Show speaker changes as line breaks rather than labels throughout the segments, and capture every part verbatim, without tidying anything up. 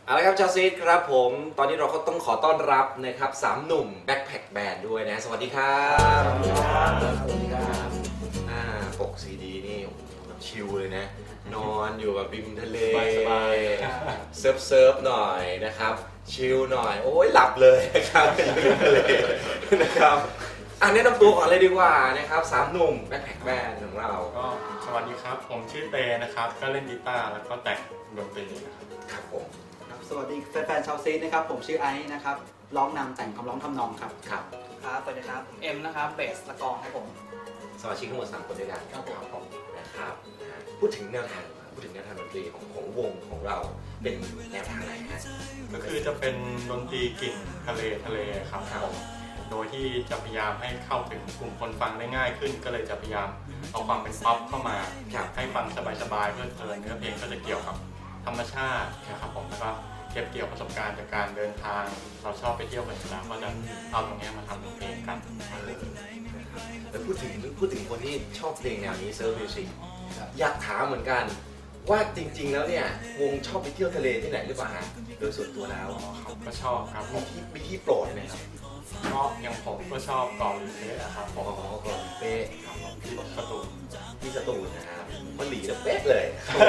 เอาละครับชาวซีดครับผมตอนนี้เราก็ต้องขอต้อนรับนะครับสามหนุ่มแบ็คแพคแบนด์ด้วยนะสวัสดีครับสวัสดีครับสวัสดีครับอ่าปกซีดีนี่แบบชิลเลยนะนอนอยู่แบบริมทะเลสบายเซิร์ฟเซิร์ฟหน่อยนะครับชิลหน่อยโอ้ยหลับเลยนะครับริมทะเลนะครับอันนี้ต้องตัวก่อนเลยดีกว่านะครับสามหนุ่มแบ็คแพคแบนด์ของเรา
ก็สวัสดีครับผมชื่อเตนะครับก็เล่นกีตาร์แล้วก็แต่งดนตรีนะครับ
ครับผม
สวัสดีแฟนๆชาวซีดนะครับผมชื่อไอซ์นะครับร้องนำแต่งคำร้องทำนองครับ
ครับ
ครับสวัสดีครับผมเอ็มนะครับเบสและกลองครับผม
สมาชิกทั้งหมดสามคนด้วยกันครับผมนะครับพูดถึงแนวทางพูดถึงแนวทางดนตรีของของวงของเราเป็นแนวทางไหนฮะ
ก็คือจะเป็นดนตรีกลิ่นทะเลทะเลครับผมโดยที่จะพยายามให้เข้าถึงกลุ่มคนฟังได้ง่ายขึ้นก็เลยจะพยายามเอาความเป็นป๊อปเข้ามาให้ฟังสบายๆเพื่อเพลินเนื้อเพลงก็จะเกี่ยวกับธรรมชาตินะครับผมแล้วก็เก็บเกี่ยวประสบการณ์จากการเดินทางเราชอบไปเที่ยวกันอยู่แล้วก็จะเอาตรงนี้มาทำเป็นเพลงกัน
แล้วพูดถึงพูดถึงคนที่ชอบเพลงแนวนี้เซิร์ฟมิวสิกอยากถามเหมือนกันว่าจริงๆแล้วเนี่ยวงชอบไปเที่ยวทะเลที่ไหนหรือเปล่าฮะโดยส่วนตัวแล้ว
เขาก็ชอบครับผ
มี
ม
ที่มีที่โปรดไหมครับ
ก็อย่างผมก็ชอบเกาะหลีเป๊ะครับผม
อ๋อเกาะหลีเป๊ะ
ที่สตูล
ที่สตูลนะครับมันหลีแล้วเป๊ะเลย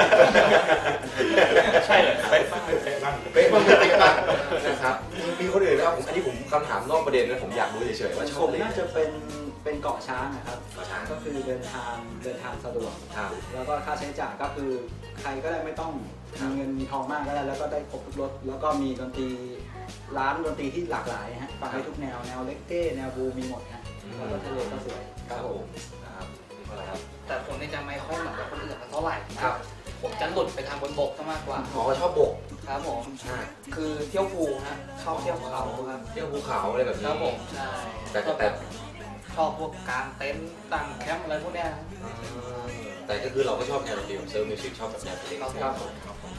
ใช่เลยเป๊ะบ้างเป๊ะบ้าง
เป๊ะบ้างเป๊ะบ้างนะครับมีคนอื่นนะครับผมอันนี้ผมคำถามนอกประเด็นนะผมอยากรู้เฉยๆว่าชอบ
ผมน่าจะเป็นเป็นเกาะช้างนะครับ
เกาะช้าง
ก็คือเดินทางเดินทางสะดวกแล้วก็ค่าใช้จ่ายก็คือใครก็ได้ไม่ต้องมีเงินมีทองมากก็ได้แล้วก็ได้ครบทุกรสแล้วก็มีดนตรีร้านดนตรีที่หลากหลายฮะฟังได้ทุกแนวแนวเล็กเก้แนวบูมีหมดฮะแล้วก็ทะเลก็สวย
ครับผมนะครับครับ
แต่ผมนี่จะไม่ค่อยเหมือนกับคนอื่นเท่าไหร่ครับผมจะหลุดไปทางบนบกซะมากกว่า
อ๋อชอบบก
ครับผมคือเที่ยวภูฮะชอบเที่ยวเขาครับ
เที่ยวภูเขาอะไรแบบนี้
ครับผมใช่
แต่แต่
ชอบพวกกางเต็นท์ตั้งแคมป์อะไรพวกเนี้ย
แต่ก็คือเราก็ชอบแนวดนตรีของเซิร์ฟมิวสิกชอบแบบแนวเพลง
ครับผม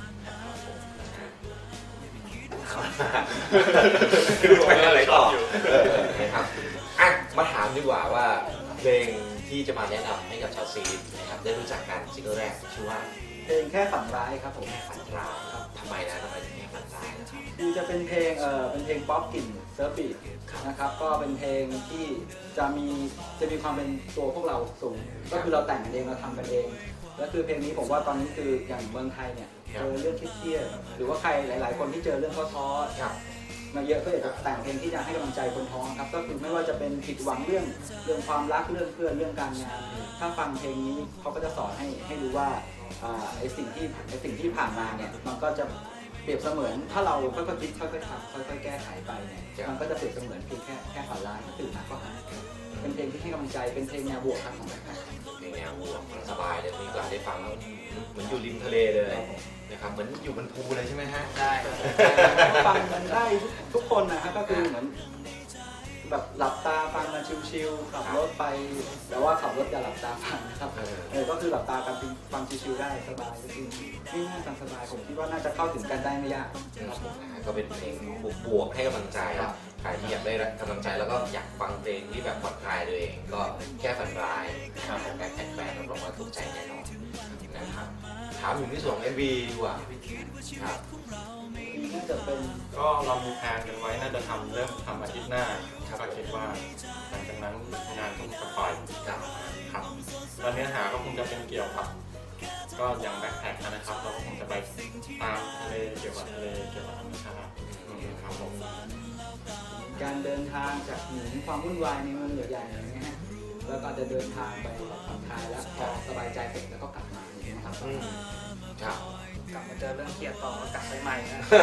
คือไปอะไรต่อนะครับอ่ะมาถามดีกว่าว่าเพลงที่จะมาแนะนำให้กับชาวซีดนะครับได้รู้จักกันซิงเกิลแรกชื่อว่า
เพลงแค่ฝันร้ายครับผม
แค่ฝันร้ายครับทำไมนะทำไมถึงแค่ฝันร้ายนะครับ
คือจะเป็นเพลงเอ่อเป็นเพลงป๊อปกลิ่นเซิร์ฟบีทนะครับก็เป็นเพลงที่จะมีจะมีความเป็นตัวพวกเราสูงก็คือเราแต่งกันเองเราทำกันเองแล้วคือเพลงนี้ผมว่าตอนนี้คืออย่างเมืองไทยเนี่ยเจอเรื่องเครียดหรือว่าใครหลายๆคนที่เจอเรื่องท้อๆมาเยอะก็อยากจะแต่งเพลงที่จะให้กำลังใจคนท้อครับก็คือไม่ว่าจะเป็นผิดหวังเรื่องเรื่องความรักเรื่องเพื่อนเรื่องการงานถ้าฟังเพลงนี้เขาก็จะสอนให้ให้รู้ว่าไอ้สิ่งที่ไอ้สิ่งที่ผ่านมาเนี่ยมันก็จะเปรียบเสมือนถ้าเราค่อยๆคิดค่อยๆทำค่อยๆแก้ไขไปเนี่ยมันก็จะเปรียบเสมือนเพียงแค่แค่ฝันร้ายตื่นมาก็หายเป็นเพลงที่ให้กำลังใจเป็นเพลงแนวบวกครับของแบบ
เพลงแนวบวกสบายเลยมีโอกาสได้ฟังแล้วเหมือนอยู่ริมทะเลเลยนะครับเหมือนอยู่บนภูเลยใช่ไหมฮะ
ได้
ฟังมันได้ทุกคนนะฮะก็คือเหมือนแบบหลับตาฟังมาชิลๆขับรถไปแต่ว่าขับรถอย่าหลับตาฟังนะครับเออก็คือหลับตากันฟังชิลๆได้สบายก็คือง่ายๆฟังสบายผมคิดว่าน่าจะเข้าถึงกันได้ไม่ยาก
ครับผมก็เป็นเพลงบวกๆให้กำลังใจใครที่อยากได้กำลังใจแล้วก็อยากฟังเพลงที่แบบผ่อนคลายตัวเองก็แค่ฝันร้ายนะครับของการแข่งแบนรับรองว่าถูกใจแน่นอนนะครับถามถึงที่ส่วนของ เอ็ม วี ดีกว่าครับ
น่าจะเป็น
ก็เรามีแผนกันไว้น่าจะทำเริ่มทำอาทิตย์หน้าก็คิดว่าหลังจากนั้นงานคงจะปล่อยครับแล้วเนื้อหาก็คงจะเป็นเกี่ยวกับก็อย่างแบ็คแพ็คนะครับเราคงจะไปตามทะเลเกี่ยวกับทะเลเกี่ยวกับธรรมชาติครับผม
การเดินทางจากหนีความวุ่นวายในเมืองใหญ่ๆอย่างเงี้ยแล้วก็จะเดินทางไปผ่อนคลายแล้วพอสบายใจเสร็จแล้วก็กลับมาอย่างเงี้ยครับ
ครับ
กลับมาเจอเรื่องเครียดต่อก็กลับไปใหม่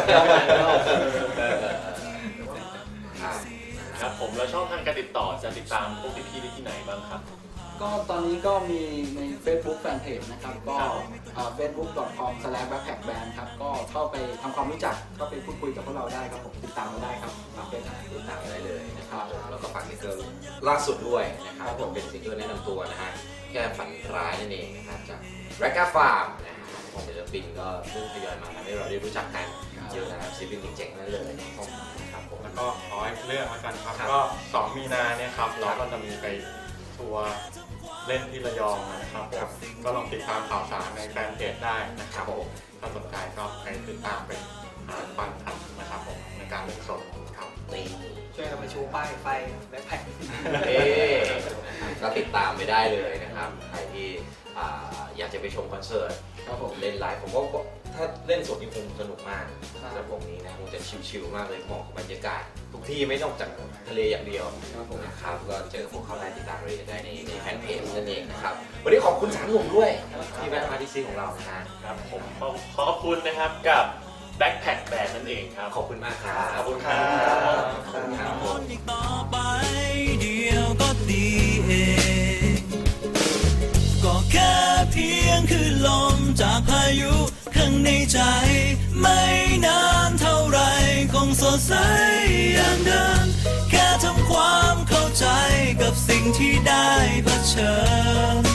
นะครับผมแล้วช่องทางการติดต่อจะติดตามพวกพี่ๆได้ที่ไหนบ้างครับ
ก็ตอนนี้ก็มีใน Facebook Fanpage นะครับก็ เฟซบุ๊ก ดอท คอม สแลช แบ็คแพ็คแบนด์ ครับก็เข้าไปทำความรู้จักก็ไปพูดคุยกับพวกเราได้ครับผมติดตามเราได้ครับฝากเป็น
ติดตามได้เลยนะครับแล้วก็ฝากซิงเกิลล่าสุดด้วยนะครับผมเป็นซิงเกิลแนะนำตัวนะฮะแค่ฝันร้ายนั่นเองนะครับจากแร็กก้าฟาร์มนะฮะของศิลปินก็เพิ่งทยอยมาทำให้เราได้รู้จักกันเยอะนะครับศิลปินเจ๋งๆนั่นเลย
นะครับผมแล้วก็ขอให้เรื่องแล้วกันครับก็สองมีนาเนี่ยครับเราก็จะมีไปทัวร์เล่นที่ระยองนะครับก็ลองติดตามข่าวสารในแฟนเพจได้นะครับผมถ้าสนใจก็ไปติดตามไปฟัฟังครับนะครับผมในการเล่นสดครับ
นี่
ช่วยกันมาชูป้ายไฟแบ็คแพ็ค
เอ๊ะก็ติดตามไปได้เลยนะครับ ใครที่อ่าอยากจะไปชมคอนเสิร์ต
ครับผม
เล่นไลฟ์ผมก็ถ้าเล่นสดนี่คงสนุกมากสำหรับวงนี้นะคงจะชิลๆมากเลยเหมาะกับบรรยากาศ ทุกที่ไม่นอกจากทะเลอย่างเดียว
ครับผม
นะครับก็เจอพวกเขาได้ติดตามรายละเอียดได้ในในแฟนเพจนั่นเองนะครับวันนี้ขอบคุณสามหนุ่มด้วยที่แวะมาที่ซีของเรานะฮะ
ครับผมขอขอบคุณนะครับกับ Backpack Band นั่นเองครับ
ขอบคุณมากครับ
ขอบคุณครับ
ขอบคุณครับ
อีกต่อไปเดียวก็ดีเอง ก็แค่เพียงคือลมจากพายุข้างในใจ ไม่นานเท่าไรคงสดใสอย่างเดิมแค่ทำความเข้าใจกับสิ่งที่ได้เผชิญ